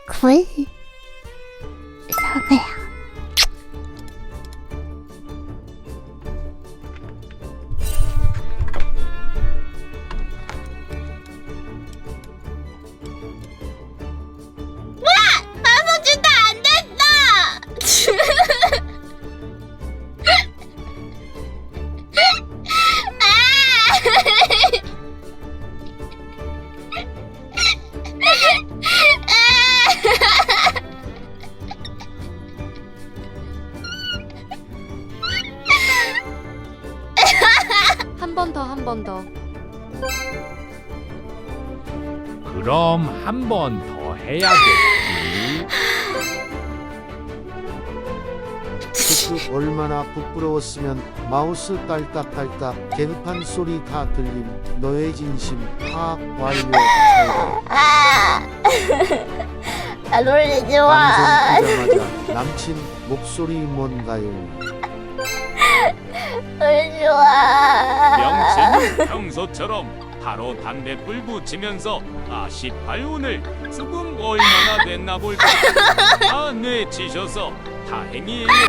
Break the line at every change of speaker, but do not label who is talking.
굴 사과야.
나눠준다 안 된다.
한 번 더, 한 번 더.
그럼 한 번 더 해야겠지.
크크 얼마나 부끄러웠으면 마우스 딸깍딸깍 개급한 소리 다 들림 너의 진심 파 완료
나 놀리지
방송
마.
끄자마자 남친 목소리 뭔가요?
놀리지 마.
명치는 평소처럼 바로 담배불 붙이면서 18운을 조금 얼마나 됐나 볼까. 아, 네, 지셔서 다행이에요.